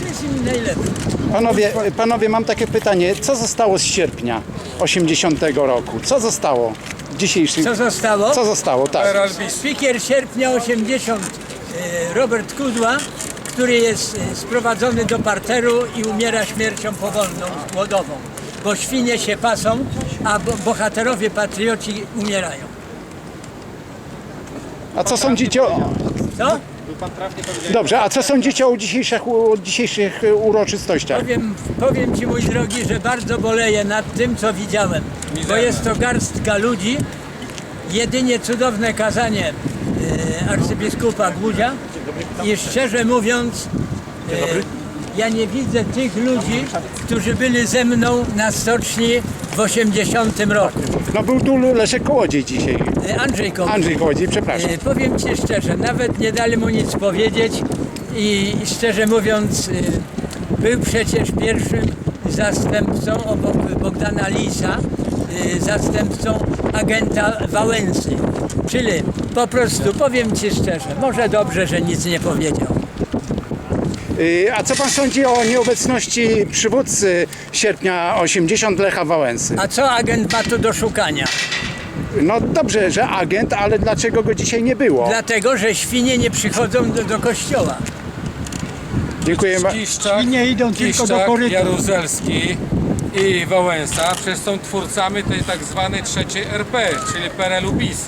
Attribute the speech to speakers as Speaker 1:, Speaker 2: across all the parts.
Speaker 1: jest im najlepszy.
Speaker 2: Panowie, mam takie pytanie. Co zostało z sierpnia 80 roku? Co zostało w dzisiejszym...
Speaker 1: Co zostało?
Speaker 2: Co zostało, tak.
Speaker 1: Spiker sierpnia 80, Robert Kudła, który jest sprowadzony do parteru i umiera śmiercią powolną, głodową. Bo świnie się pasą, a bohaterowie, patrioci umierają.
Speaker 2: A co sądzicie o...
Speaker 1: Co?
Speaker 2: Dobrze, a co sądzicie o dzisiejszych uroczystościach?
Speaker 1: Powiem Ci, mój drogi, że bardzo boleję nad tym, co widziałem. Bo jest to garstka ludzi, jedynie cudowne kazanie arcybiskupa Głudzia i szczerze mówiąc, ja nie widzę tych ludzi, którzy byli ze mną na stoczni w 80 roku.
Speaker 2: No był tu Leszek Kołodziej dzisiaj.
Speaker 1: Andrzej
Speaker 2: Kołodziej, przepraszam.
Speaker 1: Powiem Ci szczerze, nawet nie dali mu nic powiedzieć i szczerze mówiąc był przecież pierwszym zastępcą obok Bogdana Lisa, zastępcą agenta Wałęsy. Czyli po prostu powiem Ci szczerze, może dobrze, że nic nie powiedział.
Speaker 2: A co pan sądzi o nieobecności przywódcy sierpnia 80 Lecha Wałęsy?
Speaker 1: A co agent ma tu do szukania?
Speaker 2: No dobrze, że agent, ale dlaczego go dzisiaj nie było?
Speaker 1: Dlatego, że świnie nie przychodzą do kościoła.
Speaker 2: Dziękuję bardzo.
Speaker 3: Świnie idą tylko do koryta.
Speaker 4: Jaruzelski i Wałęsa przecież są twórcami tej tak zwanej trzeciej RP, czyli PRL-u PiS.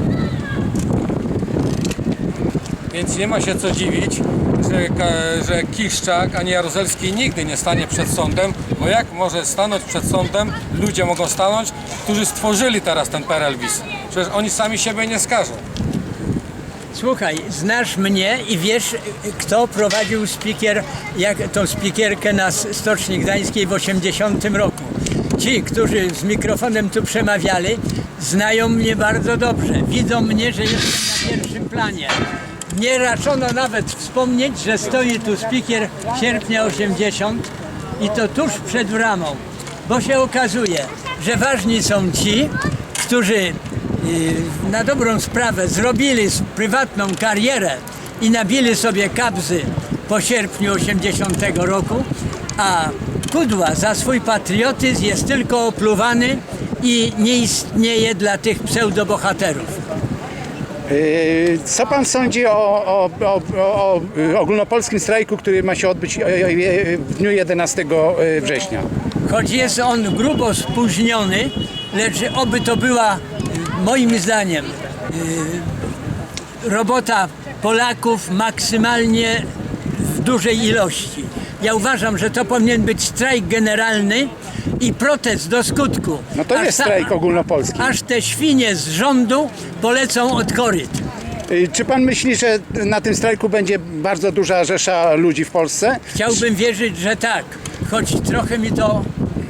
Speaker 4: Więc nie ma się co dziwić, że Kiszczak ani Jaruzelski nigdy nie stanie przed sądem, bo jak może stanąć przed sądem, ludzie mogą stanąć, którzy stworzyli teraz ten PRL-PiS. Przecież oni sami siebie nie skażą.
Speaker 1: Słuchaj, znasz mnie i wiesz, kto prowadził tą spikierkę na Stoczni Gdańskiej w 80 roku. Ci, którzy z mikrofonem tu przemawiali, znają mnie bardzo dobrze. Widzą mnie, że jestem na pierwszym planie. Nie raczono nawet wspomnieć, że stoi tu spiker sierpnia 80 i to tuż przed bramą, bo się okazuje, że ważni są ci, którzy na dobrą sprawę zrobili prywatną karierę i nabili sobie kabzy po sierpniu 80 roku, a Kudła za swój patriotyzm jest tylko opluwany i nie istnieje dla tych pseudobohaterów.
Speaker 2: Co pan sądzi o ogólnopolskim strajku, który ma się odbyć w dniu 11 września?
Speaker 1: Choć jest on grubo spóźniony, lecz oby to była, moim zdaniem, robota Polaków maksymalnie w dużej ilości. Ja uważam, że to powinien być strajk generalny i protest do skutku.
Speaker 2: No to jest strajk ogólnopolski.
Speaker 1: Aż te świnie z rządu polecą od koryt.
Speaker 2: Czy pan myśli, że na tym strajku będzie bardzo duża rzesza ludzi w Polsce?
Speaker 1: Chciałbym wierzyć, że tak, choć trochę mi to,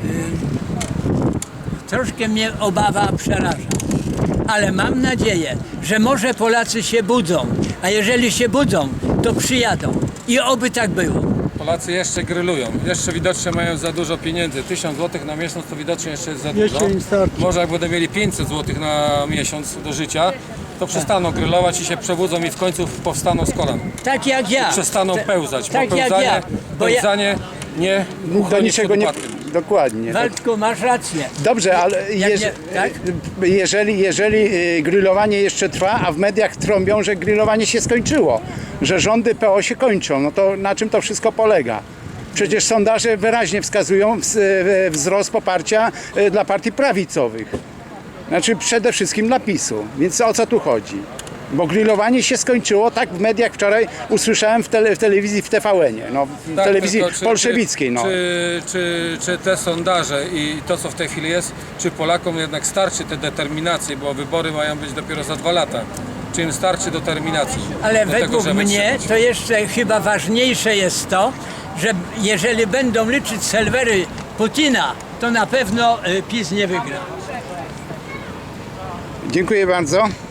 Speaker 1: troszkę mnie obawa przeraża. Ale mam nadzieję, że może Polacy się budzą, a jeżeli się budzą, to przyjadą. I oby tak było.
Speaker 4: Polacy jeszcze grylują, jeszcze widocznie mają za dużo pieniędzy. 1000 zł na miesiąc to widocznie jeszcze jest za dużo.
Speaker 3: Jeszcze im starczy.
Speaker 4: Może jak będą mieli 500 zł na miesiąc do życia, to przestaną grylować i się przebudzą i w końcu powstaną z kolan.
Speaker 1: Tak jak ja.
Speaker 4: Przestaną pełzać,
Speaker 1: tak
Speaker 4: bo
Speaker 1: jak
Speaker 4: pełzanie,
Speaker 1: ja, bo
Speaker 4: pełzanie nie
Speaker 2: Do
Speaker 4: uchroni
Speaker 2: niczego
Speaker 4: przed
Speaker 2: nie...
Speaker 4: upadkiem.
Speaker 2: Dokładnie.
Speaker 1: Waldku, masz rację.
Speaker 2: Dobrze, ale
Speaker 1: tak?
Speaker 2: jeżeli grillowanie jeszcze trwa, a w mediach trąbią, że grillowanie się skończyło, że rządy PO się kończą, no to na czym to wszystko polega? Przecież sondaże wyraźnie wskazują wzrost poparcia dla partii prawicowych. Znaczy przede wszystkim dla PiS-u. Więc o co tu chodzi? Bo grillowanie się skończyło, tak w mediach wczoraj usłyszałem w telewizji w TVN-ie, no, w
Speaker 4: Tak,
Speaker 2: telewizji
Speaker 4: tylko
Speaker 2: bolszewickiej. No.
Speaker 4: Czy te sondaże i to, co w tej chwili jest, czy Polakom jednak starczy tej determinacji, bo wybory mają być dopiero za 2 lata. Czy im starczy determinacji?
Speaker 1: Ale
Speaker 4: do
Speaker 1: według
Speaker 4: żeby
Speaker 1: mnie
Speaker 4: trzymać?
Speaker 1: to jeszcze chyba ważniejsze jest to, że jeżeli będą liczyć serwery Putina, to na pewno PiS nie wygra.
Speaker 2: Dziękuję bardzo.